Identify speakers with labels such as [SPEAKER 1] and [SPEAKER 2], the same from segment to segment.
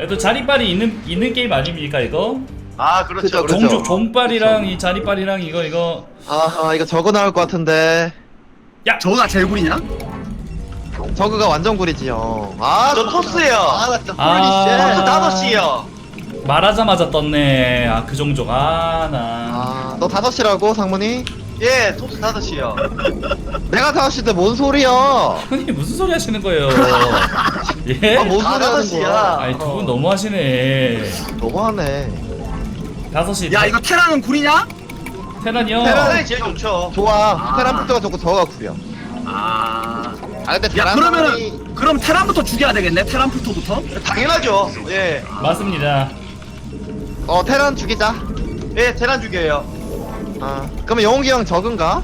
[SPEAKER 1] 그래도 자리빨이 있는 게임 아닙니까 이거?
[SPEAKER 2] 아 그렇죠.
[SPEAKER 3] 그죠.
[SPEAKER 1] 종족 종빨이랑 이 자리빨이랑 이거
[SPEAKER 3] 아 이거 저거 나올 것 같은데.
[SPEAKER 4] 저거가 제일 구리냐?
[SPEAKER 3] 저거가 완전 구리지 형. 아
[SPEAKER 2] 저 토스예요.
[SPEAKER 3] 나 진짜
[SPEAKER 2] 토스
[SPEAKER 3] 홀리쉣.
[SPEAKER 2] 5시요.
[SPEAKER 1] 말하자마자 떴네. 아 그 종족 나.
[SPEAKER 3] 아너 5시라고 상문이?
[SPEAKER 2] 예, 토스 5시요.
[SPEAKER 3] 내가 5시인데 뭔 소리야?
[SPEAKER 1] 형님 무슨 소리 하시는 거예요? 예?
[SPEAKER 3] 뭔 소리 하는
[SPEAKER 2] 5시야.
[SPEAKER 3] 거야?
[SPEAKER 1] 아니 두 분 너무 하시네.
[SPEAKER 3] 너무하네.
[SPEAKER 1] 5시
[SPEAKER 4] 야 이거 테라는 구리냐?
[SPEAKER 1] 테란이요.
[SPEAKER 2] 테란이 제일 좋죠.
[SPEAKER 3] 좋아. 테란부터가 좋고 저거가 구려.
[SPEAKER 4] 아
[SPEAKER 3] 근데
[SPEAKER 4] 야
[SPEAKER 3] 테란
[SPEAKER 4] 그러면은 그럼 테란부터 죽여야 되겠네. 테란부터부터.
[SPEAKER 2] 당연하죠. 예.
[SPEAKER 1] 맞습니다.
[SPEAKER 3] 테란 죽이자.
[SPEAKER 2] 예, 테란 죽여요.
[SPEAKER 3] 아 그러면 영웅기 형 적은가?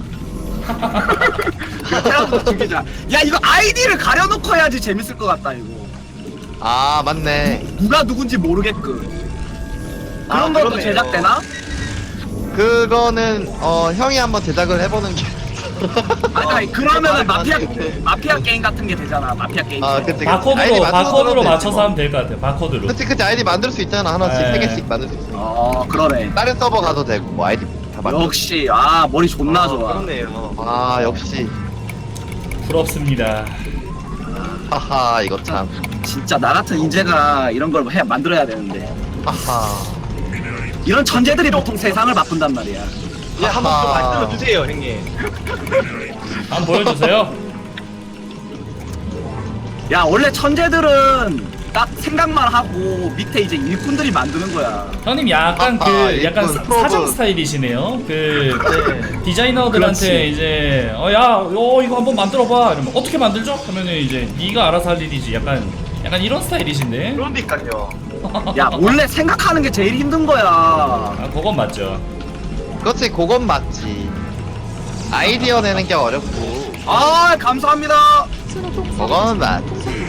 [SPEAKER 4] 테란부터 죽이자. 야 이거 아이디를 가려놓고 해야지 재밌을 것 같다 이거.
[SPEAKER 3] 아 맞네.
[SPEAKER 4] 누가 누군지 모르게끔. 그런 것도
[SPEAKER 2] 그러네요.
[SPEAKER 4] 제작되나?
[SPEAKER 3] 그거는 형이 한번 제작을 해보는 게.
[SPEAKER 4] 아니 그러면은
[SPEAKER 3] 말이
[SPEAKER 4] 마피아 게임 같은 게 되잖아. 마피아 게임.
[SPEAKER 3] 아 그치.
[SPEAKER 1] 바코드로 맞춰서 하면 될 것 같아요. 바코드로.
[SPEAKER 3] 그치 아이디 만들 수 있잖아 하나씩
[SPEAKER 1] 네.
[SPEAKER 3] 3개씩 만들 수 있어.
[SPEAKER 4] 그러네.
[SPEAKER 3] 다른 서버 가도 되고 뭐 아이디 다 만들.
[SPEAKER 4] 역시 머리 존나 좋아.
[SPEAKER 2] 그렇네요.
[SPEAKER 3] 아 역시.
[SPEAKER 1] 부럽습니다.
[SPEAKER 3] 하하 이거 참.
[SPEAKER 4] 진짜 나 같은 인재가 이런 걸 만들어야 되는데
[SPEAKER 3] 하하.
[SPEAKER 4] 이런 천재들이 보통 세상을 바꾼단 말이야.
[SPEAKER 2] 예, 한번 좀
[SPEAKER 3] 아하.
[SPEAKER 2] 말씀을 주세요, 형님.
[SPEAKER 1] 한번 보여주세요.
[SPEAKER 4] 야 원래 천재들은 딱 생각만 하고 밑에 이제 일꾼들이 만드는 거야.
[SPEAKER 1] 형님 약간 약간
[SPEAKER 3] 일꾼,
[SPEAKER 1] 사정
[SPEAKER 3] 프로브.
[SPEAKER 1] 스타일이시네요. 그
[SPEAKER 2] 네.
[SPEAKER 1] 디자이너들한테
[SPEAKER 4] 그렇지.
[SPEAKER 1] 이제 이거 한번 만들어봐. 이러면 어떻게 만들죠? 하면은 이제 네가 알아서 할 일이지. 약간 이런 스타일이신데.
[SPEAKER 2] 그러니까요.
[SPEAKER 4] 야 원래 생각하는 게 제일 힘든 거야.
[SPEAKER 1] 아 그건 맞죠.
[SPEAKER 3] 그렇지 그건 맞지. 아이디어 내는 게 어렵고.
[SPEAKER 4] 아 감사합니다.
[SPEAKER 3] 그건 맞지.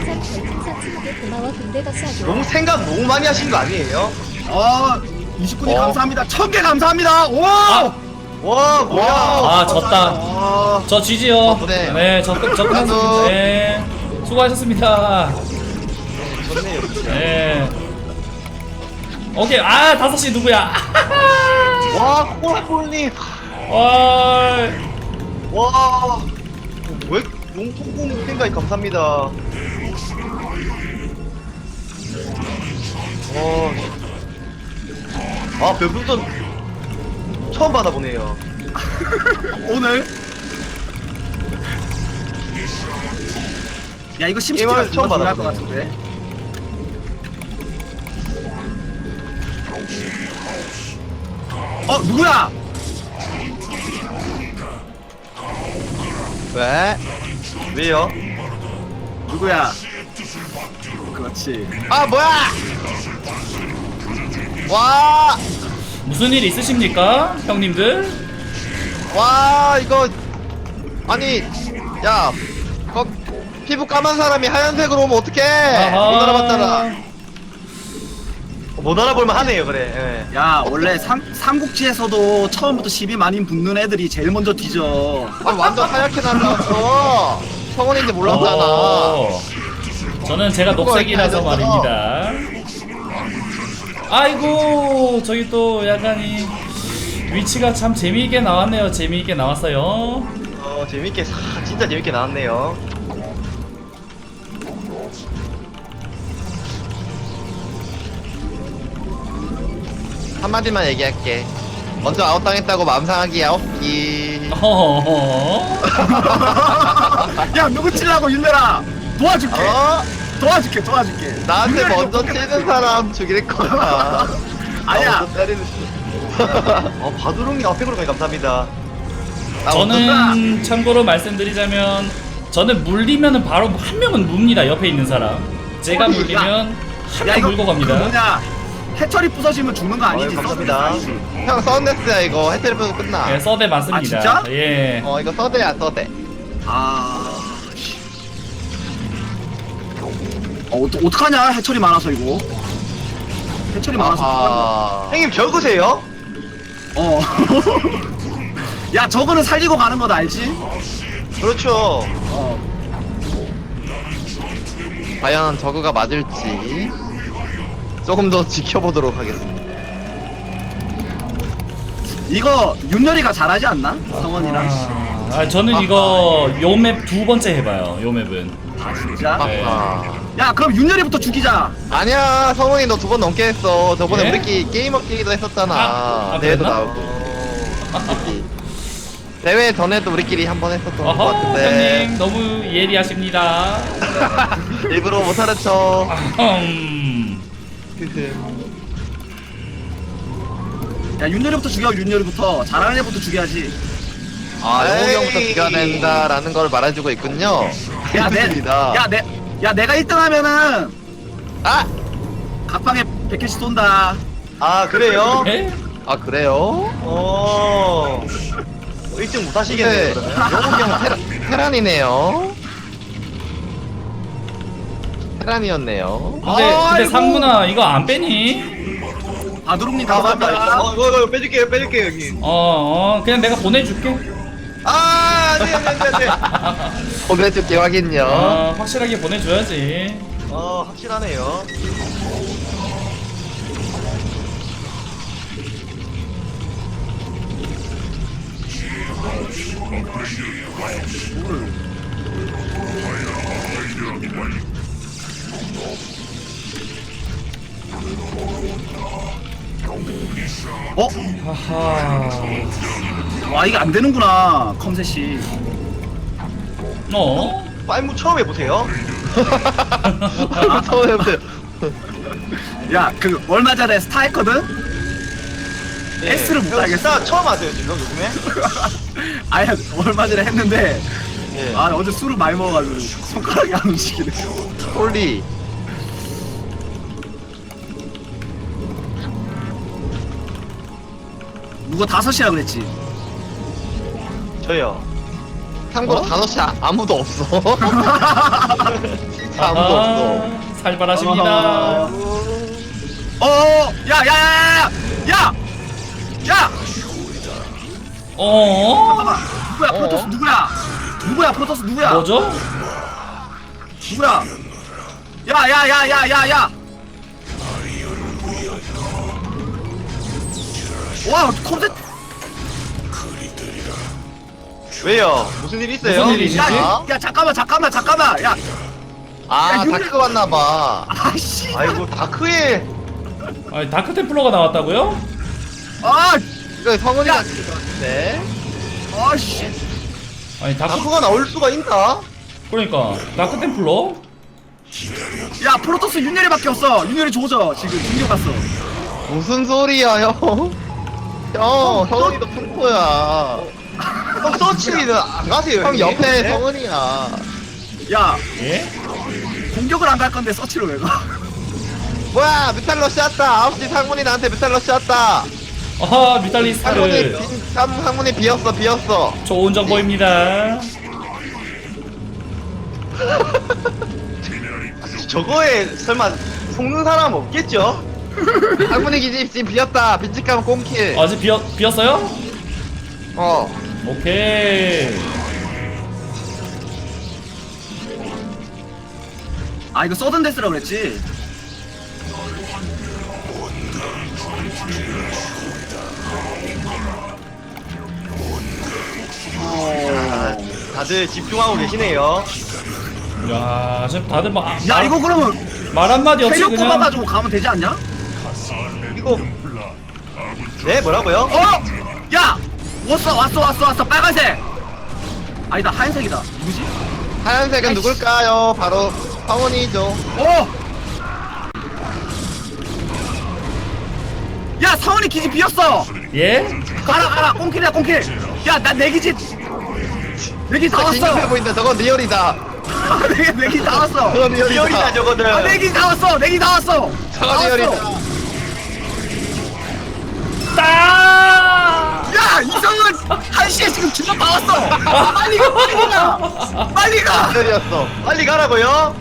[SPEAKER 2] 너무 생각 너무 많이 하신 거 아니에요?
[SPEAKER 4] 29님 감사합니다. 1000개 감사합니다. 와.
[SPEAKER 1] 아,
[SPEAKER 2] 와, 뭐야.
[SPEAKER 1] 아 졌다.
[SPEAKER 2] 와.
[SPEAKER 1] 저 지지요.
[SPEAKER 3] 네.
[SPEAKER 1] 네, 접근했습니다.
[SPEAKER 3] 나도.
[SPEAKER 1] 네, 수고하셨습니다.
[SPEAKER 2] 좋네요.
[SPEAKER 1] 네. 오케이, 5시 누구야?
[SPEAKER 2] 와, 꼴꼴님.
[SPEAKER 1] 와,
[SPEAKER 2] 와. 왜 용통공 생각이 감사합니다. 별풍선 처음 받아보네요.
[SPEAKER 4] 오늘. 야 이거 심시티가
[SPEAKER 2] 게임을 처음
[SPEAKER 4] 중요할 것
[SPEAKER 2] 받아보네.
[SPEAKER 4] 같은데. 누구야?
[SPEAKER 3] 왜?
[SPEAKER 2] 왜요?
[SPEAKER 4] 누구야? 그렇지.
[SPEAKER 3] 아 뭐야? 와.
[SPEAKER 1] 무슨 일 있으십니까, 형님들?
[SPEAKER 3] 와 이거 아니 야 피부 까만 사람이 하얀색으로 오면 어떡해. 못 알아봤잖아.
[SPEAKER 2] 못 알아볼만 하네요, 그래. 예.
[SPEAKER 4] 야 원래 삼국지에서도 처음부터 시비 많이 붙는 애들이 제일 먼저 뒤져.
[SPEAKER 3] 아 완전 하얗게 날라왔어. 성원인지 몰랐잖아.
[SPEAKER 1] 저는 제가
[SPEAKER 3] 그거
[SPEAKER 1] 녹색이라서
[SPEAKER 3] 이렇게 알렸어.
[SPEAKER 1] 말입니다. 아이고, 저기 또 약간 이 위치가 참 재미있게 나왔네요. 재미있게 나왔어요.
[SPEAKER 2] 재밌게, 진짜 재밌게 나왔네요.
[SPEAKER 3] 한마디만 얘기할게. 먼저 아웃당했다고 마음 상하기야 없기.
[SPEAKER 1] 어허허.
[SPEAKER 4] 야 누구 치려고 윤열아 도와줄게.
[SPEAKER 3] 어?
[SPEAKER 4] 도와줄게.
[SPEAKER 3] 나한테
[SPEAKER 4] 윤열이
[SPEAKER 3] 먼저
[SPEAKER 4] 좀
[SPEAKER 3] 치는 사람 죽일 거야.
[SPEAKER 4] 아니야.
[SPEAKER 2] 먼저 때리는. 바두롱이 앞에 그러니 감사합니다.
[SPEAKER 3] 나
[SPEAKER 1] 저는 참고로 말씀드리자면 저는 물리면은 바로 한 명은 묵니다. 옆에 있는 사람. 제가
[SPEAKER 4] 어디,
[SPEAKER 1] 물리면 한
[SPEAKER 4] 야
[SPEAKER 1] 명
[SPEAKER 4] 이거
[SPEAKER 1] 물고
[SPEAKER 4] 그
[SPEAKER 1] 갑니다.
[SPEAKER 4] 뭐냐 해철이 부서지면 죽는 거 아니지?
[SPEAKER 2] 감사합니다.
[SPEAKER 4] 아니지?
[SPEAKER 3] 형 썬데스야 이거 해텔부터 끝나.
[SPEAKER 1] 예, 서대 맞습니다.
[SPEAKER 4] 아, 진짜?
[SPEAKER 1] 예.
[SPEAKER 3] 이거 서대야 서대.
[SPEAKER 4] 씨. 어떡하냐 해철이 많아서 이거. 해철이 많아서.
[SPEAKER 3] 아.
[SPEAKER 2] 형님 적으세요?
[SPEAKER 4] 야 저거는 살리고 가는 거 알지?
[SPEAKER 2] 그렇죠.
[SPEAKER 3] 과연 저그가 맞을지. 조금 더 지켜보도록 하겠습니다.
[SPEAKER 4] 이거 윤열이가 잘하지 않나? 성원이랑.
[SPEAKER 1] 저는 이거 요 맵 두 번째 해봐요. 요 맵은.
[SPEAKER 4] 아 진짜?
[SPEAKER 1] 네.
[SPEAKER 4] 야 그럼 윤열이부터 죽이자.
[SPEAKER 3] 아니야, 성훈이 너 2번 넘게 했어. 저번에
[SPEAKER 1] 예?
[SPEAKER 3] 우리끼리 게임업끼리도 했었잖아.
[SPEAKER 1] 아,
[SPEAKER 3] 대회도
[SPEAKER 1] 그랬나?
[SPEAKER 3] 나오고. 대회 전에도 우리끼리 한 번 했었던 것
[SPEAKER 1] 어허,
[SPEAKER 3] 같은데.
[SPEAKER 1] 형님 너무 예리하십니다.
[SPEAKER 3] 일부러 못 알아쳐.
[SPEAKER 4] 야 윤열이부터 죽여. 윤열이부터 잘하는 애부터 죽여야지.
[SPEAKER 3] 아, 영웅이 형부터
[SPEAKER 2] 에이.
[SPEAKER 3] 죽여야 된다라는 걸 말해주고 있군요.
[SPEAKER 4] 야내야 내가 1등 하면은
[SPEAKER 3] 아!
[SPEAKER 4] 각방에 100개씩 쏜다.
[SPEAKER 2] 아 그래요?
[SPEAKER 1] 에?
[SPEAKER 3] 아, 그래요?
[SPEAKER 2] 1등 못 하시겠네요.
[SPEAKER 3] 근데
[SPEAKER 2] 그러면.
[SPEAKER 3] 영웅이 형 테란이네요. 테란이었네요.
[SPEAKER 1] 근데
[SPEAKER 4] 아이고.
[SPEAKER 1] 상문아 이거 안 빼니?
[SPEAKER 4] 바두룩님
[SPEAKER 2] 아 맞다.
[SPEAKER 4] 감사합니다.
[SPEAKER 2] 이거 빼줄게요 여기.
[SPEAKER 1] 그냥 내가 보내줄게.
[SPEAKER 2] 아 안돼.
[SPEAKER 3] 보내줄게, 확인요.
[SPEAKER 1] 확실하게 보내줘야지.
[SPEAKER 2] 확실하네요.
[SPEAKER 4] 어?
[SPEAKER 1] 하하.
[SPEAKER 4] 와 이게 안 되는구나 컴셋이.
[SPEAKER 2] 파이브 처음 해보세요.
[SPEAKER 3] 처음 해보세요.
[SPEAKER 4] 야 그 얼마 전에 스타 했거든? S를 못 가겠어.
[SPEAKER 2] 스타 처음 하세요 지금 요즘에?
[SPEAKER 4] 아야 얼마 전에 했는데
[SPEAKER 2] 예.
[SPEAKER 4] 아 어제 술을 많이 먹어가지고 손가락이 안 움직이네.
[SPEAKER 3] 홀리.
[SPEAKER 4] 누가 5시라 그랬지?
[SPEAKER 2] 저요.
[SPEAKER 3] 참고로 5시 아무도 없어. 진짜 아무도 없어.
[SPEAKER 1] 살벌하십니다.
[SPEAKER 4] 야야야야야! 야!
[SPEAKER 1] 어?
[SPEAKER 4] 잠깐만 누구야 프로토스 누구야? 누구야 프로토스 누구야?
[SPEAKER 1] 뭐죠?
[SPEAKER 4] 누구야? 야야야야야야! 와 컴셋
[SPEAKER 2] 왜요? 무슨 일 있어요?
[SPEAKER 1] 무슨 일이지?
[SPEAKER 4] 야 잠깐만 야
[SPEAKER 3] 아,
[SPEAKER 4] 야,
[SPEAKER 3] 다크 왔나봐.
[SPEAKER 4] 아씨
[SPEAKER 2] 아이고 다크에
[SPEAKER 1] 아니 다크 템플러가 나왔다고요?
[SPEAKER 4] 아
[SPEAKER 3] 이거 성훈이가
[SPEAKER 4] 야.
[SPEAKER 3] 죽일 것 같은데.
[SPEAKER 4] 아씨
[SPEAKER 1] 아니 다크
[SPEAKER 2] 다크가 나올 수가 있나?
[SPEAKER 1] 그러니까 다크 템플러?
[SPEAKER 4] 야 프로토스 윤열이밖에 없어. 윤열이 조져 지금 중격 갔어.
[SPEAKER 3] 무슨 소리야, 형? 형, 성훈이도 풍포야.
[SPEAKER 2] 형 서치는 안 가세요.
[SPEAKER 3] 형
[SPEAKER 2] 형님?
[SPEAKER 3] 옆에
[SPEAKER 2] 네?
[SPEAKER 3] 성훈이야.
[SPEAKER 4] 야
[SPEAKER 1] 예?
[SPEAKER 4] 공격을 안 갈 건데 서치로 왜 가?
[SPEAKER 3] 뭐야, 뮤탈러시 왔다. 9시 상문이 나한테 뮤탈러시 왔다.
[SPEAKER 1] 아하 뮤탈리스트
[SPEAKER 3] 상문이 비었어.
[SPEAKER 1] 좋은 정보입니다.
[SPEAKER 2] 저거에 설마 속는 사람 없겠죠?
[SPEAKER 3] 상문이 기집 지금 비었다. 빈집가면 꽁킬.
[SPEAKER 1] 아직 비었어요?
[SPEAKER 3] 어.
[SPEAKER 1] 오케이.
[SPEAKER 4] 아 이거 서든 데스라고 그랬지.
[SPEAKER 2] 다들 집중하고 계시네요.
[SPEAKER 1] 야 지금 다들
[SPEAKER 4] 야 이거 그러면
[SPEAKER 1] 말 한마디 없이
[SPEAKER 4] 체력
[SPEAKER 1] 그냥
[SPEAKER 4] 뽑아가지고 가면 되지 않냐?
[SPEAKER 2] 이거 네 뭐라고요?
[SPEAKER 4] 야 왔어 빨간색. 아니다 하얀색이다. 누구지?
[SPEAKER 3] 하얀색은 누굴까요? 바로 성훈이죠.
[SPEAKER 4] 야 성훈이 기지 비었어.
[SPEAKER 1] 예?
[SPEAKER 4] 가라 꽁킬이야 꽁킬. 야 나 내 기지 내 기지 다
[SPEAKER 3] 긴급해
[SPEAKER 4] 왔어.
[SPEAKER 3] 보인다. 저건 리얼이다.
[SPEAKER 4] 내 기지 다 왔어.
[SPEAKER 3] 저건
[SPEAKER 2] 리얼이다
[SPEAKER 3] 리얼이다.
[SPEAKER 2] 저거들.
[SPEAKER 4] 내 기지 다 왔어. 내 기지 다 왔어.
[SPEAKER 3] 저건 리얼이다.
[SPEAKER 1] 따!
[SPEAKER 4] 야 이성은 1시에 지금 주먹 다 왔어. 빨리 가.
[SPEAKER 3] 리얼이었어.
[SPEAKER 2] 빨리 가라고요?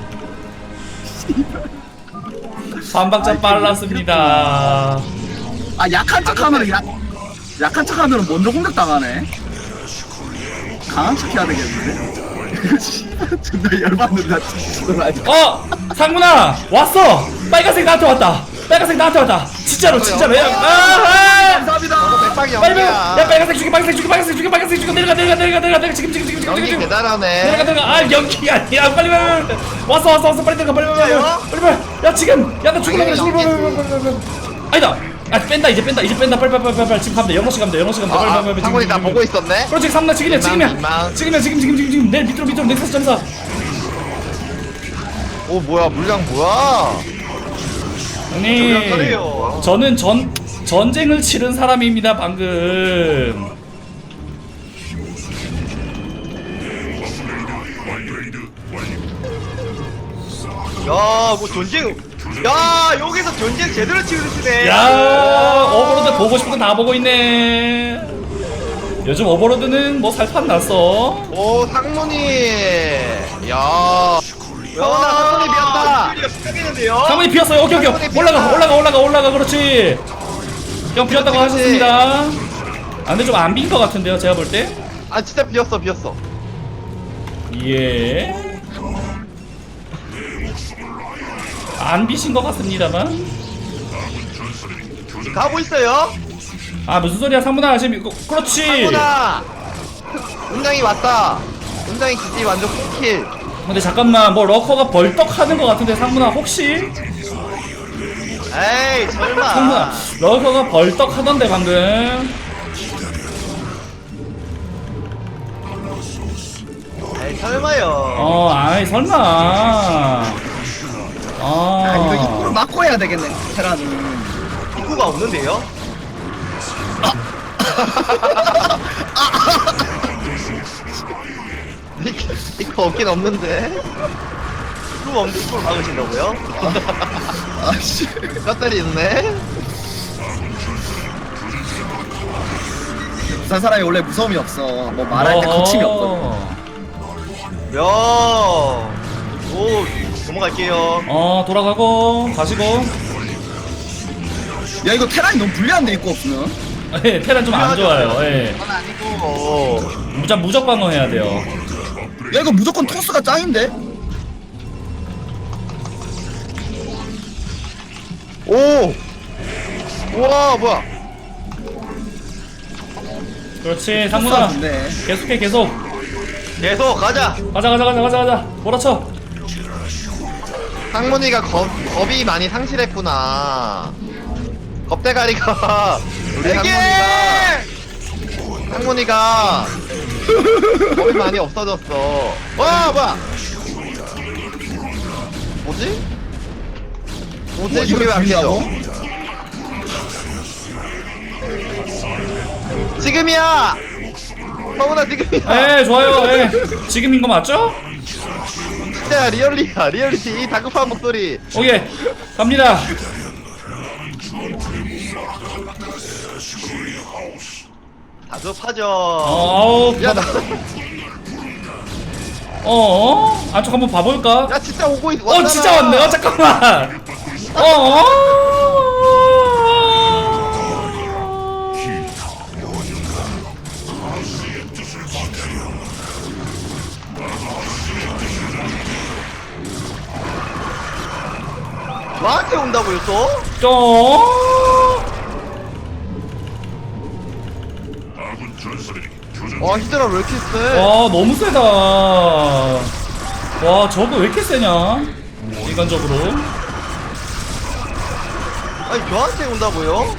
[SPEAKER 1] 반박자 빨랐습니다.
[SPEAKER 4] 아 약한 척하면 약한 척하면 먼저 공격 당하네. 강한 척해야 되겠는데. 존나 열받는다. 진짜.
[SPEAKER 1] 상문아 왔어. 빨간색 나한테 왔다. 빨간색 나한테 왔다. 진짜로 진짜로. 야,
[SPEAKER 4] 감사합니다.
[SPEAKER 3] 백방이
[SPEAKER 1] 빨리 빨리. 야
[SPEAKER 3] 연기야.
[SPEAKER 1] 빨간색 죽여 빨간색 죽여 내려가 지금
[SPEAKER 3] 연기
[SPEAKER 1] 내려가
[SPEAKER 3] 대단하네.
[SPEAKER 1] 아 연기 아니야 빨리 왔어 빨리 들어가 빨리 야 지금 야나 죽으려 그래 아니다 뺀다 이제 뺀다 빨리 지금 가면 돼 6시 가면 돼 빨리
[SPEAKER 3] 상훈이 나 보고 있었네.
[SPEAKER 1] 그렇지 3나 지금이야
[SPEAKER 3] 민망.
[SPEAKER 1] 지금 내 밑으로 넥서스 점사
[SPEAKER 3] 오 뭐야 물량 뭐야?
[SPEAKER 1] 형님
[SPEAKER 2] 그래요.
[SPEAKER 1] 저는 전쟁을 치른 사람입니다 방금
[SPEAKER 2] 야뭐 전쟁. 야 여기서 전쟁 제대로 치르시네.
[SPEAKER 1] 야 오버로드 보고 싶은 거 다 보고 있네 요즘 오버로드는 뭐 살판 났어
[SPEAKER 3] 오 상문이. 야. 상훈이 비었다.
[SPEAKER 2] 가 시작했는데요.
[SPEAKER 1] 상문이 비었어요 오케이 올라가 그렇지 형 비었다고
[SPEAKER 3] 그렇지.
[SPEAKER 1] 하셨습니다 아 근데 좀 안 빈 거 같은데요 제가 볼때
[SPEAKER 3] 아 진짜 비었어.
[SPEAKER 1] 예. 안 비신 것 같습니다만.
[SPEAKER 2] 가고 있어요.
[SPEAKER 1] 아 무슨 소리야 상문아 지금 그렇지.
[SPEAKER 3] 상훈아. 은장이 왔다. 은장이 기지 완전 킬킬.
[SPEAKER 1] 근데 잠깐만 뭐 러커가 벌떡 하는 것 같은데 상문아 혹시
[SPEAKER 2] 에이 설마.
[SPEAKER 1] 상문아 러커가 벌떡 하던데 방금.
[SPEAKER 2] 에이 설마요.
[SPEAKER 1] 아이 설마.
[SPEAKER 4] 아 이거 입구를 막고 해야 되겠네. 테라는.
[SPEAKER 2] 입구가 없는데요.
[SPEAKER 3] 이거 없긴 없는데.
[SPEAKER 2] 입구가 없는데 입구를 막으신다고요?
[SPEAKER 4] 아씨.
[SPEAKER 3] 뼈다리 있네.
[SPEAKER 4] 부산 사람이 원래 무서움이 없어. 뭐 말할 때 거침이 없거든.
[SPEAKER 2] 야. 오 넘어갈게요.
[SPEAKER 1] 돌아가고 가시고.
[SPEAKER 4] 야 이거 테란이 너무 불리한데 입구 없으면.
[SPEAKER 1] 예, 테란 좀 안 좋아요. 예.
[SPEAKER 3] 그건 아니고.
[SPEAKER 1] 무적 방어해야 돼요.
[SPEAKER 4] 야 이거 무조건 토스가 짱인데.
[SPEAKER 3] 오. 우와 뭐야?
[SPEAKER 1] 그렇지
[SPEAKER 4] 토스가
[SPEAKER 1] 상문아
[SPEAKER 4] 좋네.
[SPEAKER 1] 계속해 계속.
[SPEAKER 2] 계속 가자.
[SPEAKER 1] 가자. 몰아쳐.
[SPEAKER 3] 상문이가 겁이 많이 상실했구나. 겁대가리가 우리 상문이가 겁이 많이 없어졌어. 와 뭐야? 뭐지?
[SPEAKER 4] 뭐
[SPEAKER 3] 저게 왜안
[SPEAKER 4] 불리하고?
[SPEAKER 3] 깨져? 지금이야! 성훈아 지금이야!
[SPEAKER 1] 예 좋아요. 예. 지금인 거 맞죠?
[SPEAKER 3] 진짜 리얼리티 이 다급한 목소리.
[SPEAKER 1] 오케이 갑니다.
[SPEAKER 2] 다급하죠.
[SPEAKER 1] 아우
[SPEAKER 3] 야 나.
[SPEAKER 1] 안쪽 한번 봐볼까?
[SPEAKER 3] 야 진짜 오고 있. 왔잖아.
[SPEAKER 1] 진짜 왔네. 잠깐만.
[SPEAKER 2] 나한테 온다고요 또?
[SPEAKER 3] 와 히드라 왜 이렇게 세?
[SPEAKER 1] 와 너무 세다. 와 저거 왜 이렇게 세냐? 인간적으로.
[SPEAKER 2] 아니 저한테 온다고요?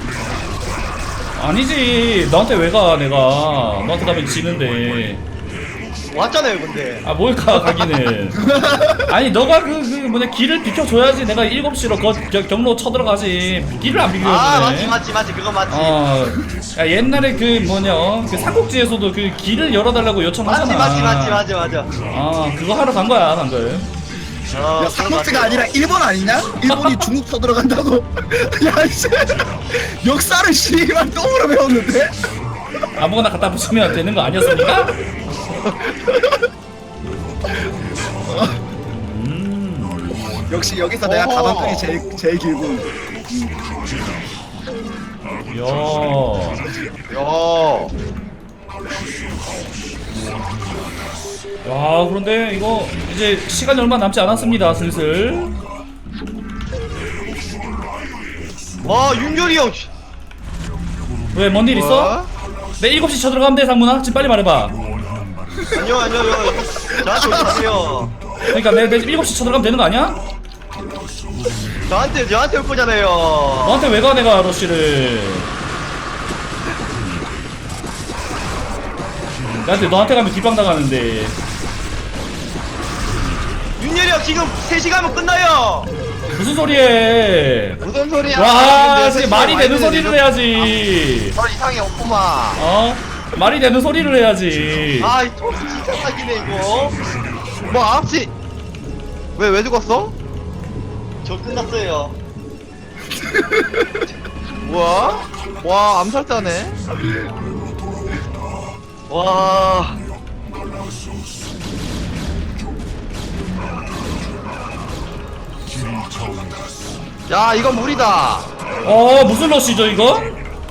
[SPEAKER 1] 아니지 너한테 왜 가 내가. 너한테 가면 지는데.
[SPEAKER 2] 왔잖아요 근데.
[SPEAKER 1] 아 뭘까 가기는. 아니 너가 그 뭐냐 길을 비켜줘야지 내가 7시로 경로 쳐들어가지. 길을 안 비켜주네.
[SPEAKER 2] 아 맞지 그거 맞지.
[SPEAKER 1] 야 옛날에 그 뭐냐 그 삼국지에서도 그 길을 열어달라고 요청하잖아.
[SPEAKER 2] 맞지.
[SPEAKER 1] 아 그거 하러 간 거야 방금.
[SPEAKER 4] 야 삼국지가 아니라 일본 아니냐? 일본이 중국 쳐들어간다고. 야 씨. 역사를 씨발 똥으로 배웠는데.
[SPEAKER 1] 아무거나 갖다 붙이면 되는 거 아니었습니까?
[SPEAKER 4] 역시 여기서 내가
[SPEAKER 3] 어허.
[SPEAKER 4] 가방끈이 제일 길고.
[SPEAKER 1] 야.
[SPEAKER 3] 야.
[SPEAKER 1] 야 그런데 이거 이제 시간이 얼마 남지 않았습니다 슬슬.
[SPEAKER 2] 윤열이 형.
[SPEAKER 1] 왜 뭔 일 있어? 내 7시 쳐들어가면 돼 상문아? 지금 빨리 말해봐.
[SPEAKER 2] 아니요. 저한테 오지 마세요.
[SPEAKER 1] 그러니까 내 7시 쳐들어가면 되는 거 아니야?
[SPEAKER 2] 저한테 올 거잖아요.
[SPEAKER 1] 너한테 왜 가 내가 러쉬를. 너한테 가면 뒷방 나가는데.
[SPEAKER 2] 윤열이 형 지금 3시간 하면 끝나요.
[SPEAKER 1] 무슨 소리해.
[SPEAKER 3] 무슨 소리야?
[SPEAKER 1] 와 진짜 말이 되는 소리를 해야지.
[SPEAKER 3] 이상해 없구만.
[SPEAKER 1] 어? 말이 되는 소리를 해야지.
[SPEAKER 2] 아, 이 토스 진짜 사기네 이거.
[SPEAKER 3] 뭐 9시 왜 죽었어?
[SPEAKER 2] 저 끝났어요.
[SPEAKER 3] 뭐야? 와 암살자네.
[SPEAKER 2] 와.
[SPEAKER 3] 야 이건 무리다.
[SPEAKER 1] 무슨 러쉬죠 이거?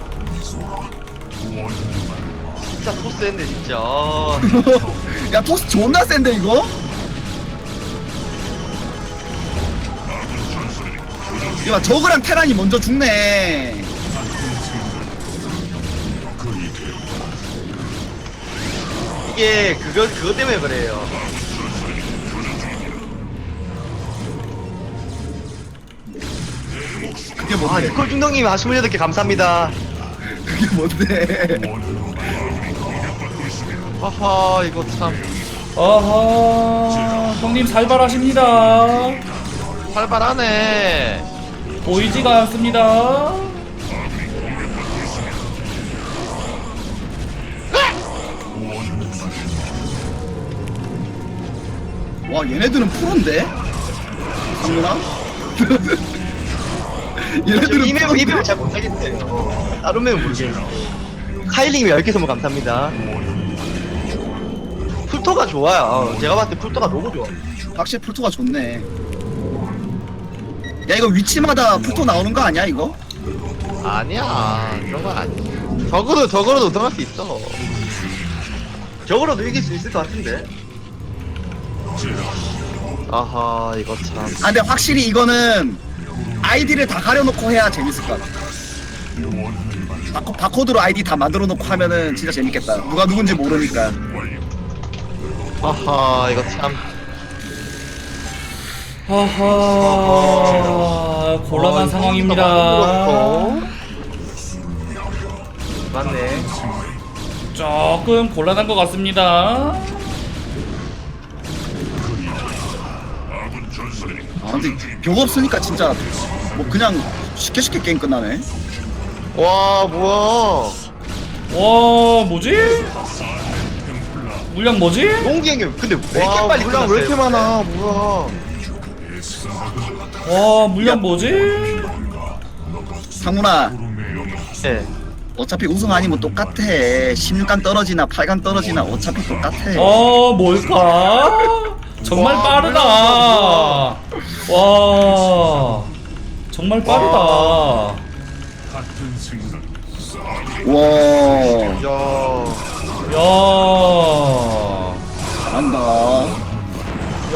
[SPEAKER 2] 진짜 토스 했네 진짜.
[SPEAKER 4] 야 토스 존나 센데 이거? 야 저거랑 테란이 먼저 죽네.
[SPEAKER 2] 이게 그거 때문에 그래요.
[SPEAKER 4] 그게
[SPEAKER 2] 아,
[SPEAKER 4] 뭔데?
[SPEAKER 2] 니콜 중동님 28개 감사합니다.
[SPEAKER 4] 그게 뭔데?
[SPEAKER 3] 하하 이거 참
[SPEAKER 1] 어허 형님 살발하십니다.
[SPEAKER 3] 활발하네.
[SPEAKER 1] 보이지가 않습니다.
[SPEAKER 4] 와 얘네들은 프로인데? 상문아? 얘네들은
[SPEAKER 2] 이 맵은
[SPEAKER 4] 프로인데?
[SPEAKER 2] 잘 못하겠어요. 다른 맵은 모르겠는데. 카일링이 10개 선물 감사합니다. 풀토가 좋아요. 제가 봤을 때 풀토가 너무 좋아.
[SPEAKER 4] 확실히 풀토가 좋네. 야 이거 위치마다 풀토 나오는 거 아니야 이거?
[SPEAKER 3] 아니야 그런 건 아니야. 적어도 우승할 수 있어.
[SPEAKER 2] 저거라도 이길 수 있을 것 같은데.
[SPEAKER 3] 아하 이거 참.
[SPEAKER 4] 아 근데 확실히 이거는 아이디를 다 가려놓고 해야 재밌을 것 같아. 바코드로 아이디 다 만들어놓고 하면은 진짜 재밌겠다. 누가 누군지 모르니까.
[SPEAKER 3] 아하 이거 참.
[SPEAKER 1] 하하 곤란한 상황입니다.
[SPEAKER 2] 맞네.
[SPEAKER 1] 조금 곤란한 것 같습니다.
[SPEAKER 4] 아 근데 벽 없으니까 진짜 뭐 그냥 쉽게 게임 끝나네.
[SPEAKER 3] 와 뭐야.
[SPEAKER 1] 와 뭐지? 물량 뭐지?
[SPEAKER 2] 용기 형님 근데 왜 이렇게
[SPEAKER 3] 와
[SPEAKER 2] 빨리
[SPEAKER 3] 물량
[SPEAKER 2] 끝났어요?
[SPEAKER 3] 왜 이렇게 많아. 뭐야.
[SPEAKER 1] 와 물량 뭐지?
[SPEAKER 4] 상문아
[SPEAKER 2] 네.
[SPEAKER 4] 어차피 우승 아니면 똑같아. 16강 떨어지나 8강 떨어지나 어차피 똑같아.
[SPEAKER 1] 뭘까? 정말
[SPEAKER 3] 와,
[SPEAKER 1] 빠르다. 와 정말 빠르다.
[SPEAKER 4] 와
[SPEAKER 3] 야.
[SPEAKER 1] 야.
[SPEAKER 4] 잘한다.
[SPEAKER 1] 야.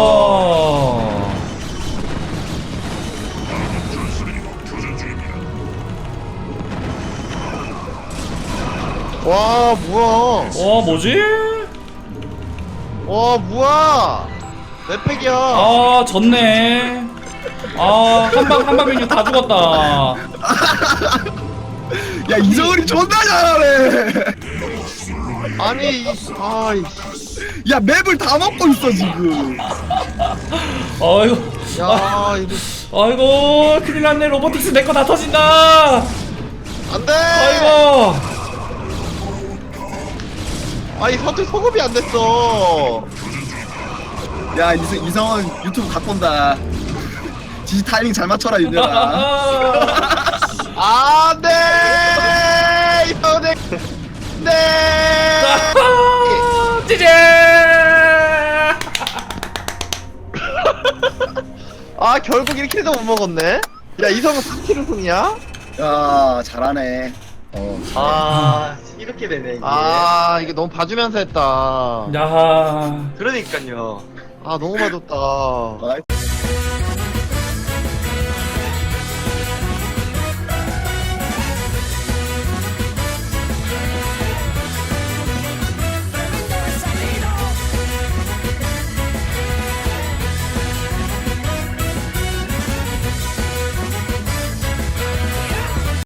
[SPEAKER 3] 와 뭐야.
[SPEAKER 1] 와 뭐지?
[SPEAKER 3] 와 뭐야. 몇 팩이야.
[SPEAKER 1] 아 졌네. 아 한방 메뉴 다 죽었다.
[SPEAKER 4] 야 이정은이 존나 잘하네.
[SPEAKER 3] 아니 아이.
[SPEAKER 4] 야 맵을 다 먹고 있어 지금.
[SPEAKER 1] 아이고.
[SPEAKER 3] 야 이거
[SPEAKER 1] 아이고 큰일났네. 로보틱스 내 거 다 터진다.
[SPEAKER 3] 안돼.
[SPEAKER 1] 아이고.
[SPEAKER 3] 아이 서툴 소급이 안 됐어.
[SPEAKER 4] 야 이성은 유튜브 갖고 온다. 지지 타이밍 잘 맞춰라 윤열아.
[SPEAKER 3] 안돼. 이번에 네.
[SPEAKER 1] 찌제.
[SPEAKER 3] 아 결국 1킬도 못 먹었네. 야 이성은 3킬 우승이야?
[SPEAKER 4] 야 잘하네.
[SPEAKER 2] 아 이렇게 되네 이게.
[SPEAKER 3] 아 이게 너무 봐주면서 했다.
[SPEAKER 1] 야.
[SPEAKER 2] 그러니까요.
[SPEAKER 3] 아 너무 봐줬다.
[SPEAKER 4] 나이스.